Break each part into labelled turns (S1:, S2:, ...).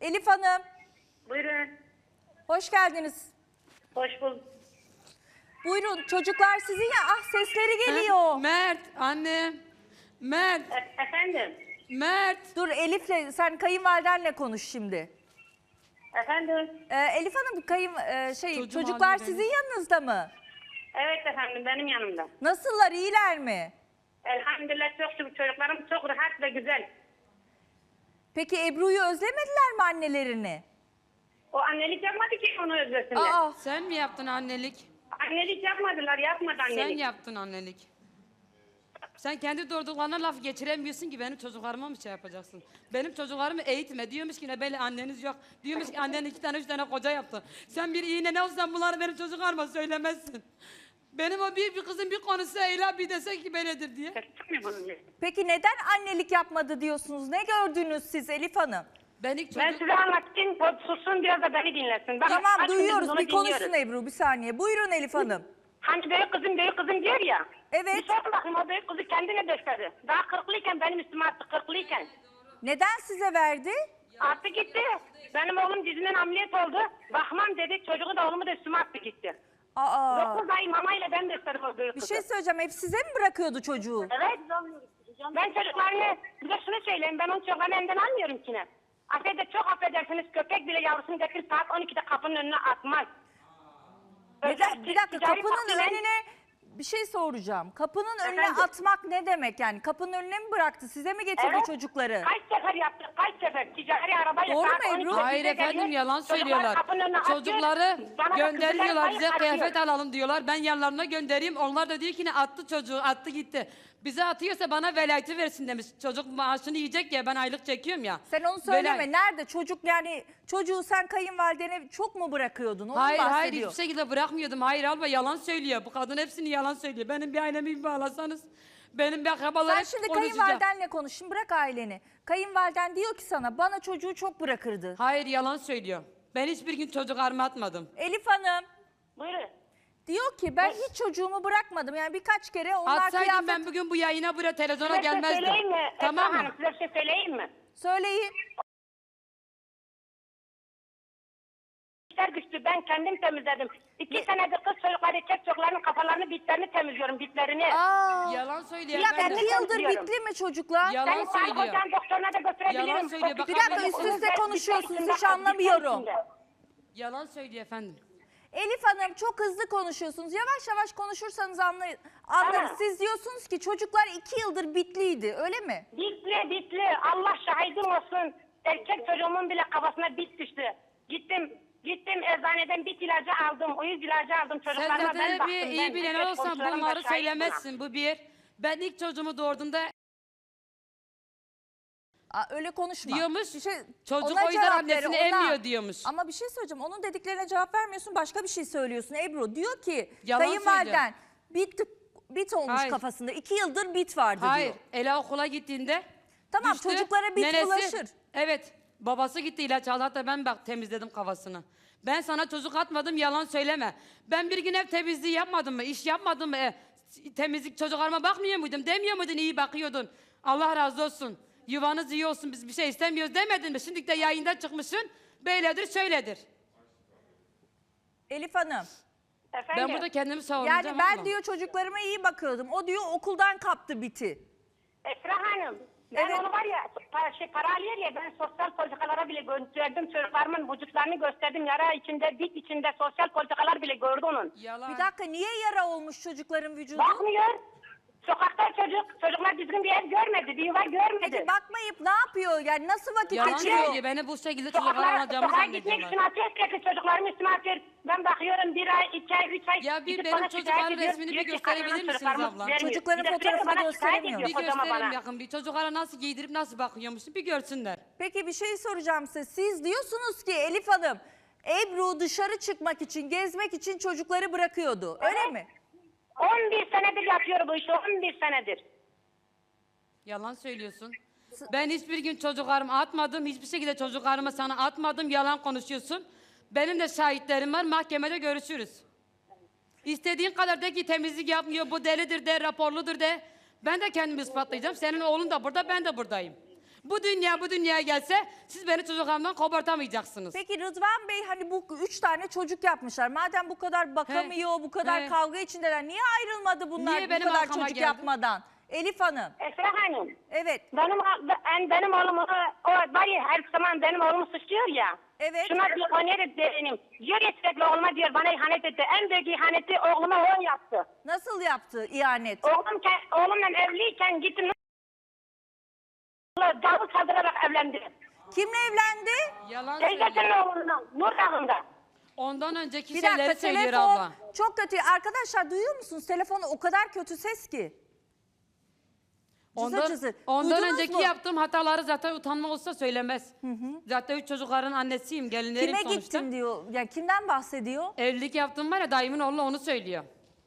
S1: Elif Hanım,
S2: Buyurun.
S1: hoş geldiniz.
S2: Hoş bulduk.
S1: Buyurun, çocuklar sizin ya. Ah, sesleri geliyor.
S3: Mert, annem. Mert,
S2: Efendim.
S3: Mert.
S1: Dur Elif'le, sen kayınvalidenle konuş şimdi.
S2: Efendim.
S1: Elif Hanım,
S3: Çocuğum
S1: çocuklar
S3: ağlıyor
S1: sizin
S3: benim.
S1: yanınızda mı?
S2: Evet efendim benim yanımda.
S1: Nasıllar, iyiler mi?
S2: Elhamdülillah çok şükür çocuklarım çok rahat ve güzel.
S1: Peki Ebru'yu özlemediler mi annelerini?
S2: O annelik yapmadı ki onu özlesinler.
S1: Aa,
S3: Sen mi yaptın annelik?
S2: Annelik yapmadılar, yapmadı annelik.
S3: Sen yaptın annelik. Sen kendi doğurduklarına laf geçiremiyorsun ki benim çocuklarıma mı şey yapacaksın? Benim çocuklarımı eğitme. Diyormuş ki ne böyle anneniz yok. Diyormuş ki annen 2 tane 3 tane koca yaptı. Sen bir iğne ne olsan bunları benim çocuklarıma söylemezsin. Benim o bir kızın bir konusu Eyla bir dese ki böyledir diye.
S1: peki neden annelik yapmadı diyorsunuz? Ne gördünüz siz Elif Hanım?
S3: Ben ilk
S2: Ben
S3: çocuk...
S2: size anlatayım, sussun biraz da beni dinlesin. Bakın,
S1: Tamam,
S2: kaç gündür
S1: duyuyoruz.
S2: bunu
S1: Bir konuşsun
S2: dinliyoruz.
S1: Ebru, bir saniye. Buyurun Elif Hanım.
S2: Hani büyük kızım diyor ya.
S1: Evet.
S2: Bir sorun bakayım o büyük kızı kendine gösterdi. Daha 40'lıyken benim üstüme attı 40'lıyken.
S1: Neden size verdi?
S2: Attı gitti. Benim oğlum dizinden ameliyat oldu. Bakmam dedi, çocuğu da oğlumu da üstüme attı gitti.
S1: Aa,
S2: 9 ay mamayla ben besledim o büyük
S1: bir
S2: kızı.
S1: şey söyleyeceğim. Hep size mi bırakıyordu çocuğu?
S2: Evet. Ben çocuklarını, bir de şunu söyleyeyim, ben onun çocuklarını elinden almıyorum ki ne. Çok affedersiniz, köpek bile yavrusunu getirip saat 12'de kapının önüne atmaz.
S1: Neden? Bir dakika,
S2: Ticari
S1: kapının
S2: faktörler-
S1: önüne bir şey soracağım. Kapının önüne
S2: Efendim?
S1: atmak ne demek yani? Kapının önüne mi bıraktı? Size mi getirdi
S2: Evet.
S1: çocukları?
S2: Kaç sefer yaptık, kaç sefer ticari arabayla
S1: Doğru
S2: saat
S1: mu
S2: 12'de
S1: Ebru?
S3: Hayır
S2: bize
S3: efendim
S2: geliyor,
S3: yalan
S2: çocuklar
S3: söylüyorlar.
S2: kapının önüne atıyor,
S3: Çocukları
S2: bana da
S3: gönderiyorlar
S2: kızlar
S3: bize
S2: bayık
S3: kıyafet
S2: atıyor.
S3: alalım diyorlar. Ben yanlarına göndereyim. Onlar da diyor ki ne attı çocuğu attı gitti. Bize atıyorsa bana velayeti versin demiş. Çocuk maaşını yiyecek ya ben aylık çekiyorum ya.
S1: Sen onu söyleme.
S3: Velayet.
S1: Nerede çocuk yani çocuğu sen kayınvalidene çok mu bırakıyordun? Onu
S3: Hayır
S1: bahsediyor.
S3: hayır hiçbir şekilde bırakmıyordum. Hayır abla yalan söylüyor. Bu kadın hepsini yalan söylüyor. Benim bir ailemi bir bağlasanız. Benim bir akrabalar
S1: Sen
S3: hep
S1: şimdi
S3: konuşacak.
S1: kayınvalidenle konuş. Şimdi bırak aileni. Kayınvaliden diyor ki sana bana çocuğu çok bırakırdı.
S3: Hayır yalan söylüyor. Ben hiçbir gün çocuklarımı atmadım.
S1: Elif Hanım
S2: Buyurun.
S1: diyor ki ben hiç çocuğumu bırakmadım. Yani birkaç kere onlar
S3: Atsaydım
S1: kıyafet...
S3: ben bugün bu yayına buraya televizyona
S2: Size bir şey
S3: gelmezdim.
S2: söyleyeyim mi?
S3: Tamam
S2: Esra
S3: mı?
S2: Hanım, size bir şey söyleyeyim mi?
S1: Söyleyin.
S2: İşler güçlü, ben kendim temizledim. 2 senedir kız çocukları, erkek çocuklarının kafalarını, bitlerini temizliyorum, bitlerini.
S1: Aa,
S3: Yalan söylüyor
S1: bir dakika
S3: efendim.
S1: 2 yıldır
S2: Temizliyorum.
S1: bitli mi çocuklar?
S3: Yalan
S2: Seni sağlık
S3: söylüyor.
S2: ocağın doktoruna da götürebilirim.
S3: Yalan söylüyor, bak
S1: Bir dakika,
S3: haberin
S1: üst
S3: olsun.
S1: üste konuşuyorsunuz, hiç anlamıyorum.
S3: Yalan söylüyor efendim.
S1: Elif Hanım çok hızlı konuşuyorsunuz. Yavaş yavaş konuşursanız anlarız.
S2: Evet.
S1: Siz diyorsunuz ki çocuklar 2 yıldır bitliydi, öyle mi?
S2: Bitli. Allah şahidim olsun. Erkek çocuğumun bile kafasına bit düştü. Gittim eczaneden bit ilacı aldım. Uyuz ilacı aldım
S3: Sen
S2: çocuklarıma.
S3: zaten
S2: Ben
S3: bir
S2: baktım.
S3: iyi bilen
S2: erkek
S3: olsan
S2: komşularım da
S3: bunları
S2: şahit buna.
S3: söylemezsin bu bir. Ben ilk çocuğumu doğurduğumda
S1: Aa, öyle konuşma.
S3: diyormuş,
S1: Bir şey,
S3: çocuk
S1: ona
S3: o yüzden
S1: cevap
S3: annesini
S1: ver, ona.
S3: emmiyor diyormuş.
S1: Ama bir şey söyleyeceğim. Onun dediklerine cevap vermiyorsun. Başka bir şey söylüyorsun Ebru. Diyor ki
S3: Yalan
S1: kayınvaliden bit olmuş
S3: Hayır.
S1: kafasında. 2 yıldır bit vardı
S3: Hayır,
S1: diyor.
S3: Ela okula gittiğinde
S1: Tamam,
S3: düştü,
S1: çocuklara bit bulaşır.
S3: Evet, babası gitti ilaç aldı hatta ben bak temizledim kafasını. Ben sana çocuk atmadım yalan söyleme. Ben bir gün ev temizliği yapmadım mı, iş yapmadım mı? Temizlik çocuklarıma bakmıyor muydum, demiyor muydun iyi bakıyordun. Allah razı olsun, yuvanız iyi olsun biz bir şey istemiyoruz demedin mi? Şimdi de yayında çıkmışsın, böyledir şöyledir.
S1: Elif Hanım.
S2: Efendim?
S3: Ben burada kendimi savunacağım
S1: Yani ben
S3: abla.
S1: diyor çocuklarıma iyi bakıyordum. O diyor okuldan kaptı biti.
S2: Esra Hanım. Ben
S1: Evet.
S2: onu var ya para alıyor ya ben sosyal politikalara bile gönderdim. Çocuklarımın vücutlarını gösterdim. Yara içinde, bit içinde sosyal politikalar bile gördü onun.
S3: Yalan.
S1: Bir dakika, niye yara olmuş çocukların vücudu?
S2: Bakmıyor. Sokakta çocuklar düzgün bir ev görmedi, bir yuva görmedi.
S1: Peki bakmayıp ne yapıyor? Yani nasıl vakit
S3: Yalan
S1: geçiriyor?
S3: söylüyor, beni bu şekilde çocuklara alacağımı
S2: Sokağa gitmek
S3: zannediyorlar.
S2: için atıyor, sürekli çocuklarım üstüme atıyor. Ben bakıyorum 1 ay, 2 ay, 3 ay.
S3: Ya bir
S2: gidip
S3: benim
S2: bana
S3: çocukların
S2: şikayet ediyor.
S3: resmini bir
S2: Diyor ki,
S3: gösterebilir
S2: kadının
S3: misiniz
S2: çocuklarımız
S3: abla?
S2: vermiyor.
S1: Çocukların
S2: Bir de sürekli
S1: fotoğrafını
S2: bana şikayet
S1: gösteremiyor.
S2: ediyor
S3: Bir
S2: kocama
S3: gösterelim
S2: bana.
S3: yakın bir çocuklara nasıl giydirip nasıl bakıyormuşsun bir görsünler.
S1: Peki bir şey soracağım size. Siz diyorsunuz ki Elif Hanım, Ebru dışarı çıkmak için, gezmek için çocukları bırakıyordu. Öyle
S2: Evet.
S1: mi?
S2: 11 senedir yapıyor bu işi, 11 senedir.
S3: Yalan söylüyorsun. Ben hiçbir gün çocuklarımı atmadım. Hiçbir şekilde çocuklarımı sana atmadım. Yalan konuşuyorsun. Benim de şahitlerim var. Mahkemede görüşürüz. İstediğin kadar de ki temizlik yapmıyor. Bu delidir de, raporludur de. Ben de kendimi ispatlayacağım. Senin oğlun da burada, ben de buradayım. Bu dünyaya gelse siz beni çocuklarımdan kopartamayacaksınız.
S1: Peki Rıdvan Bey hani bu 3 tane çocuk yapmışlar. Madem bu kadar bakamıyor, bu kadar
S3: He.
S1: kavga içindeler. Niye ayrılmadı bunlar
S3: Niye
S1: bu
S3: benim
S1: kadar
S3: arkama
S1: çocuk
S3: geldi?
S1: yapmadan? Elif Hanım.
S2: Esra Hanım.
S1: Evet.
S2: Benim oğlum o var ya her zaman benim oğlumu suçluyor ya.
S1: Evet.
S2: Şuna diyor o ne benim. Diyor ya sürekli oğluma diyor bana ihanet etti. En büyük ihaneti oğluma o yaptı.
S1: Nasıl yaptı ihanet?
S2: Oğlumla evliyken gittim. Davul çaldırarak evlendi.
S1: Kimle evlendi?
S3: Yalan
S2: Teyzesinin
S3: söylüyor.
S2: oğlunla Nur Dağı'nda.
S3: Ondan önceki
S1: Bir
S3: şeyleri
S1: dakika
S3: söylüyor
S1: telefon
S3: abla.
S1: çok kötü. Arkadaşlar duyuyor musunuz? Telefonu o kadar kötü ses ki. Cızır cızır.
S3: Ondan
S1: Duydunuz
S3: önceki
S1: mu?
S3: yaptığım hataları zaten utanma olsa söylemez. Zaten 3 çocukların annesiyim, gelinlerim
S1: Kime
S3: sonuçta.
S1: gittin diyor. Yani kimden bahsediyor?
S3: Evlilik yaptığım var ya dayımın oğlu onu söylüyor.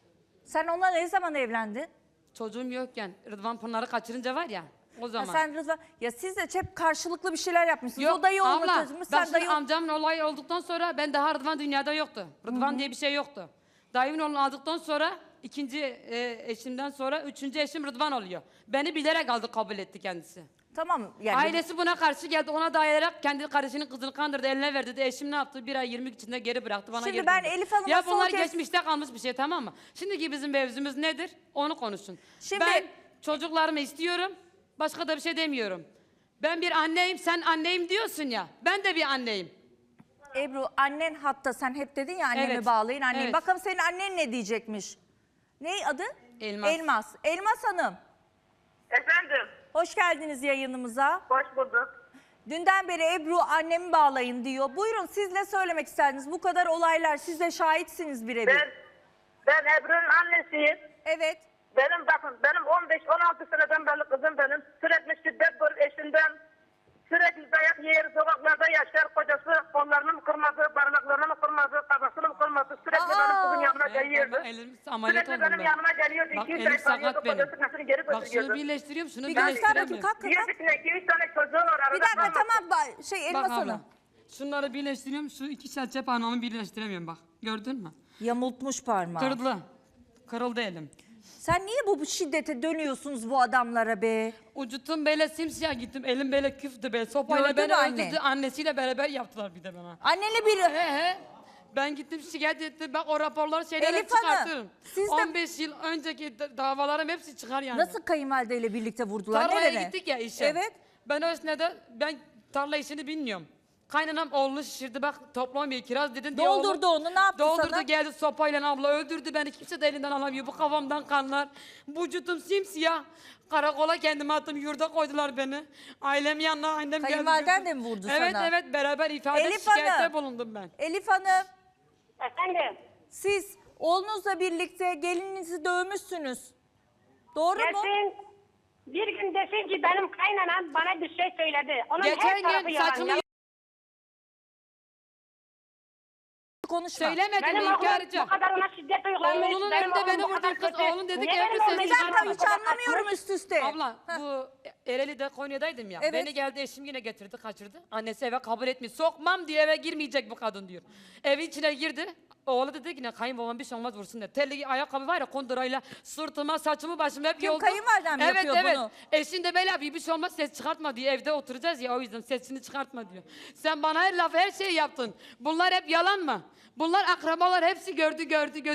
S1: Sen onunla ne zaman evlendin?
S3: Çocuğum yokken Rıdvan Pınar'ı kaçırınca var ya o
S1: Ha,
S3: zaman.
S1: sen Rıdvan, ya siz de hep karşılıklı bir şeyler yapmışsınız.
S3: Yok
S1: O dayı oğlunu
S3: abla
S1: taşımış,
S3: ben
S1: sen dayı
S3: şimdi amcamın olayı olduktan sonra ben daha Rıdvan dünyada yoktu. Rıdvan diye bir şey yoktu. Dayımın oğlunu aldıktan sonra ikinci eşimden sonra üçüncü eşim Rıdvan oluyor. Beni bilerek aldı kabul etti kendisi.
S1: Tamam yani.
S3: Ailesi buna karşı geldi ona dayayarak kendi kardeşinin kızını kandırdı eline verdi. De eşim ne yaptı? 1 ay 20 gün içinde geri bıraktı bana
S1: Şimdi
S3: geri
S1: ben
S3: döndü.
S1: Elif Hanım'a
S3: Ya
S1: son
S3: bunlar
S1: kez-
S3: geçmişte kalmış bir şey tamam mı? Şimdiki bizim mevzumuz nedir? Onu konuşun.
S1: Şimdi-
S3: Ben çocuklarımı istiyorum. Başka da bir şey demiyorum. Ben bir anneyim sen anneyim diyorsun ya. Ben de bir anneyim.
S1: Ebru annen hatta sen hep dedin ya annemi
S3: Evet,
S1: bağlayın annemi.
S3: evet.
S1: Bakalım senin annen ne diyecekmiş? Ne adı?
S3: Elmas.
S1: Elmas. Elmas Hanım.
S4: Efendim,
S1: Hoş geldiniz yayınımıza.
S4: hoş bulduk.
S1: Dünden beri Ebru annemi bağlayın diyor. Buyurun siz ne söylemek isterdiniz? Bu kadar olaylar siz de şahitsiniz birebir.
S4: Ben Ebru'nun annesiyim.
S1: Evet.
S4: Benim 15-16 seneden beri kızım benim. Sürekli şiddet görür eşinden. Sürekli dayak yer, sokaklarda yaşar. Kocası kollarını mı kırmadı, parmaklarını mı kırmadı, kafasını mı kırmadı. Sürekli benim kızın yanına geliyordu.
S3: Elim ameliyat
S4: Sürekli
S3: oldum
S4: benim
S3: ben.
S4: yanıma geliyordu.
S3: Bak
S4: 200
S3: elim
S4: ay kalıyordu.
S3: sakat benim.
S4: Kocası nasıl geri
S3: Bak şunu
S4: götürüyordu.
S3: birleştiriyorum şunu
S1: Bir göster bakayım
S3: birleştiremiyorum.
S1: kalk kalk.
S4: Diyor ki 200 tane çocuğu var arada.
S1: Bir dakika
S4: kalmasın.
S1: tamam Elmas
S3: Bak abla.
S1: Hanım.
S3: Şunları birleştiriyorum şu iki serçe parmağımı birleştiremiyorum bak. Gördün mü?
S1: Yamultmuş parmağı.
S3: Kırıldı. Kırıldı elim.
S1: Sen niye bu şiddete dönüyorsunuz bu adamlara be?
S3: Ucuttum böyle simsiyah gittim. Elim böyle küftü be. Sopayla
S1: Gördün
S3: beni
S1: anne.
S3: öldürdü. Annesiyle beraber yaptılar bir de bana.
S1: Annenle biri...
S3: He. Ben gittim şikayet ettim. Bak o raporları şeyleri
S1: Elif Hanım,
S3: çıkartırım.
S1: siz de-
S3: 15 yıl önceki davalarım hepsi çıkar yani.
S1: Nasıl kayınvalideyle birlikte vurdular?
S3: Tarlaya
S1: Nereye?
S3: gittik ya işe.
S1: Evet.
S3: Ben o esnada ben tarla işini bilmiyorum. Kaynanam oğlunu şişirdi bak toplamıyor kiraz dedin diye
S1: Doldurdu
S3: oğlum-
S1: onu, ne yaptı
S3: Doldurdu
S1: sana?
S3: geldi sopayla abla öldürdü beni kimse de elinden alamıyor. Bu kafamdan kanlar. Vücudum simsiyah. Karakola kendimi attım yurda koydular beni. Ailem yanına annem geldi.
S1: Kayınvaliden
S3: götürdü.
S1: de mi vurdu
S3: evet,
S1: sana?
S3: Evet beraber ifade
S1: Elif
S3: şikayette
S1: Hanım.
S3: bulundum ben.
S1: Elif Hanım,
S2: Efendim.
S1: siz oğlunuzla birlikte gelininizi dövmüşsünüz. Doğru mu?
S2: Desin, bir gün desin ki benim kaynanam bana bir şey söyledi. Onun her
S3: Geçen
S2: tarafı
S3: gün
S2: yalan.
S3: saçımı
S1: Konuşma.
S3: söylemedim
S2: Benim oğlum
S3: inkarcı.
S2: bu kadar ona şiddet uygulamış.
S3: Oğlunun
S2: Benim
S3: önünde
S2: oğlum
S3: beni
S2: bu kadar
S3: vurdun kız.
S2: kötü.
S3: Oğlum dedi ki,
S2: Niye
S3: Ebru
S2: benim
S3: sesini
S2: oğlum
S1: Bir
S2: beni
S1: dakika
S3: çıkarma.
S2: bu
S1: hiç
S2: kadar
S1: anlamıyorum
S2: atmış?
S1: üst üste.
S3: Abla
S1: Heh.
S3: bu Ereğli'de Konya'daydım ya.
S1: Evet.
S3: Beni geldi eşim yine getirdi kaçırdı. Annesi eve kabul etmiyor. Sokmam diye eve girmeyecek bu kadın diyor. Evin içine girdi. Oğlu dedi ki ne kayınbabam bir şey olmaz vursun dedi. Terli ayakkabı var ya kondurayla sırtıma saçımı başımı hep
S1: Kim,
S3: yoldu.
S1: kayınvaliden mi
S3: evet,
S1: yapıyor
S3: evet.
S1: bunu?
S3: Eşin de böyle yapıyor bir şey olmaz ses çıkartma diyor. Evde oturacağız ya o yüzden sesini çıkartma diyor. Sen bana her lafı her şeyi yaptın. Bunlar hep yalan mı? Bunlar akrabalar hepsi gördü göz.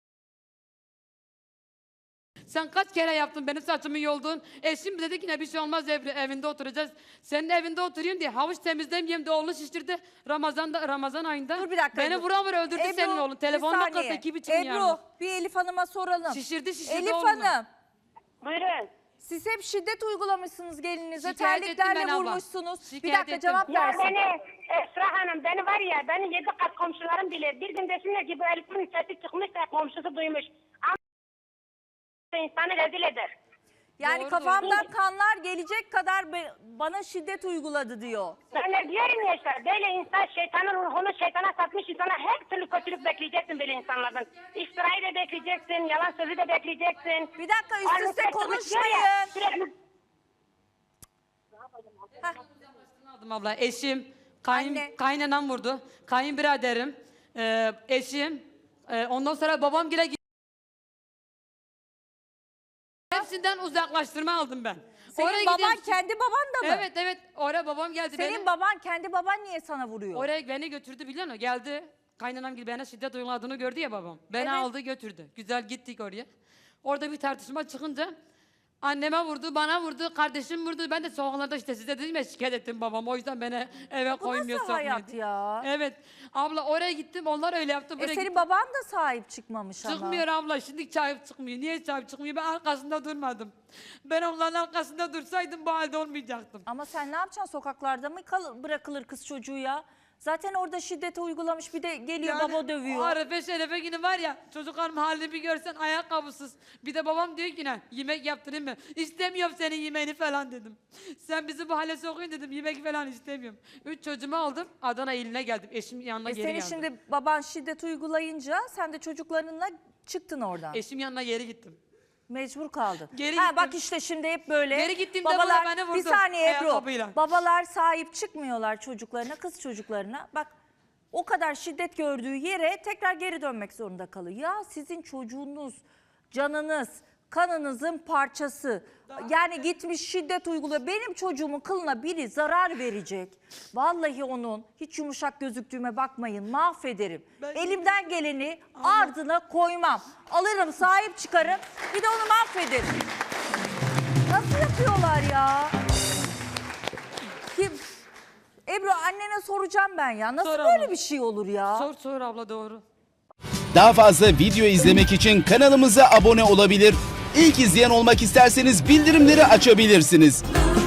S3: Sen kaç kere yaptın benim saçımı yoldun. Eşim dedi ki ne bir şey olmaz evinde oturacağız. Senin evinde oturayım diye havuç temizlemeyeyim de oğlunu şiştirdi. Ramazan ayında.
S1: Dur bir dakika.
S3: Beni
S1: Ebru.
S3: vuran öldürdü
S1: Ebru,
S3: senin oğlun.
S1: bir
S3: Telefonla
S1: saniye.
S3: kırdı 2,5
S1: Ebru
S3: milyar.
S1: bir Elif Hanım'a soralım.
S3: Şişirdi
S1: Elif
S3: oğlunu.
S1: Hanım
S2: Buyurun.
S1: siz hep şiddet uygulamışsınız gelininize.
S3: Şikayet ettim
S1: Terliklerle
S3: ben abla.
S1: vurmuşsunuz. Bir
S3: Şikayet
S1: dakika
S3: ettim.
S1: cevap
S2: Ya
S1: versin.
S2: beni Esra Hanım beni var ya beni 7 kat komşularım bilir. Bir gün desinler ki bu Elif'in sesi çıkmış da komşusu duymuş. Ama insanı rezil eder.
S1: Yani
S3: Doğru,
S1: kafamdan
S2: doğru.
S1: kanlar gelecek kadar bana şiddet uyguladı diyor.
S2: Ben de diyorum ya işte böyle insan şeytanın ruhunu şeytana satmış insana her türlü kötülük bekleyeceksin böyle insanlardan. İftirayı da bekleyeceksin, yalan sözü de bekleyeceksin.
S1: Bir dakika üst üste
S2: Annesi konuşuyor ya,
S1: konuşmayın.
S2: sürekli
S3: Aldım abla eşim,
S1: Anne.
S3: kaynanam vurdu. Kayınbiraderim, eşim. Ondan sonra babam gire hepsinden uzaklaştırma aldım ben.
S1: Senin
S3: Oraya
S1: baban
S3: gidiyorum.
S1: kendi baban da mı?
S3: Evet oraya babam geldi.
S1: Senin baban kendi baban niye sana vuruyor?
S3: Oraya beni götürdü biliyor musun? Geldi. Kaynanam gibi bana şiddet uyguladığını gördü ya babam. Beni
S1: Evet.
S3: aldı götürdü. Güzel gittik oraya. Orada bir tartışma çıkınca anneme vurdu, bana vurdu, kardeşim vurdu. Ben de sokaklarda işte size dedim ya şikayet ettim babam. O yüzden beni eve
S1: Bu
S3: koymuyor.
S1: nasıl
S3: sokmuyor
S1: hayat
S3: diye.
S1: ya?
S3: Evet. Abla oraya gittim onlar öyle yaptı. Buraya
S1: Senin
S3: gittim.
S1: baban da sahip çıkmamış ama.
S3: Çıkmıyor abla şimdi sahip çıkmıyor. Niye sahip çıkmıyor? Ben arkasında durmadım. Ben onların arkasında dursaydım bu halde olmayacaktım.
S1: Ama sen ne yapacaksın? Sokaklarda mı bırakılır kız çocuğu ya? Zaten orada şiddete uygulamış, bir de geliyor baba dövüyor.
S3: O Arefe Şerefe günü var ya çocukların halini bir görsen ayakkabısız. Bir de babam diyor ki ne yemek yaptırayım mı? İstemiyorum senin yemeğini falan dedim. Sen bizi bu hale sokuyorsun dedim yemek falan istemiyorum. 3 çocuğumu aldım Adana iline geldim eşim yanına geri
S1: Senin
S3: geldim.
S1: şimdi baban şiddet uygulayınca sen de çocuklarınla çıktın oradan.
S3: Eşim yanına geri gittim.
S1: Mecbur kaldın.
S3: Geri
S1: ha,
S3: gittim.
S1: bak işte şimdi hep böyle.
S3: Geri gittiğimde
S1: babalar,
S3: bana beni vurdu
S1: bir saniye Ebru.
S3: ayakkabıyla.
S1: Babalar sahip çıkmıyorlar çocuklarına, kız çocuklarına. Bak o kadar şiddet gördüğü yere tekrar geri dönmek zorunda kalıyor. Ya sizin çocuğunuz, canınız, kanınızın parçası. Yani gitmiş şiddet uyguluyor. Benim çocuğumun kılına biri zarar verecek. Vallahi onun hiç yumuşak gözüktüğüme bakmayın, mahvederim. Elimden geleni ardına koymam. Alırım, sahip çıkarım, bir de onu mahvederim. Nasıl yapıyorlar ya? Kim? Ebru annene soracağım ben ya. Nasıl
S3: Sor
S1: böyle
S3: abla.
S1: bir şey olur ya?
S3: Sor abla doğru.
S5: Daha fazla video izlemek için kanalımıza abone olabilir. İlk izleyen olmak isterseniz bildirimleri açabilirsiniz.